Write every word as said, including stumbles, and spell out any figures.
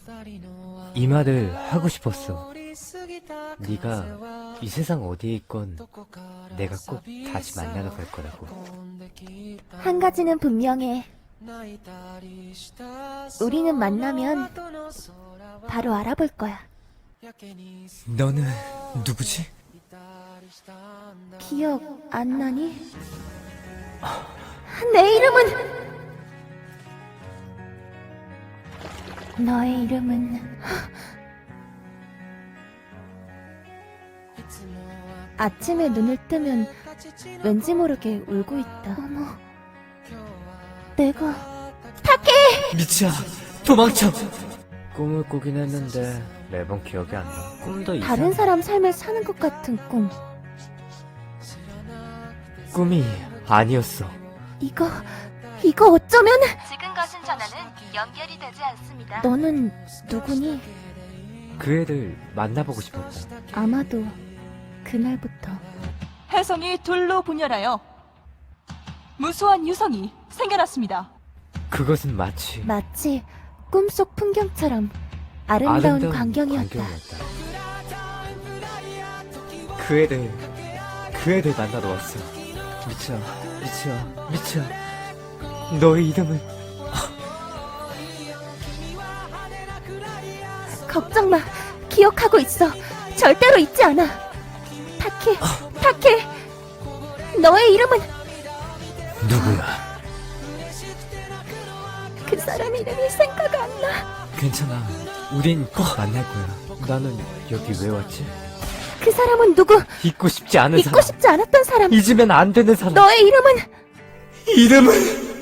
이 말을 하고 싶었어. 네가 이 세상 어디에 있건 내가 꼭 다시 만나러 갈 거라고. 한 가지는 분명해. 우리는 만나면 바로 알아볼 거야. 너는 누구지? 기억 안 나니? 내 이름은... 너의 이름은... 아침에 눈을 뜨면 왠지 모르게 울고 있다. 어머... 내가... 미치야, 도망쳐! 꿈을 꾸긴 했는데 매번 기억이 안 나. 꿈도 이상. 다른 사람 삶을 사는 것 같은 꿈. 꿈이 아니었어. 이거... 이거 어쩌면... 지금 거신 전화는 연결이 되지 않습니다. 너는 누구니? 그 애를 만나보고 싶었다. 아마도 그날부터 혜성이 둘로 분열하여 무수한 유성이 생겨났습니다. 그것은 마치 마치 꿈속 풍경처럼 아름다운, 광경이었다. 광경이었다. 그 애를 그 애를 만나러 왔어. 미치야, 미치야, 미치야. 너의 이름은 걱정 마. 기억하고 있어. 절대로 잊지 않아. 타케, 타케. 너의 이름은... 누구야? 그 사람 이름이 생각 안 나. 괜찮아. 우린 꼭 만날 거야. 나는 여기 왜 왔지? 그 사람은 누구? 잊고 싶지 않은 잊고 사람. 싶지 않았던 사람. 잊으면 안 되는 사람. 너의 이름은... 이름은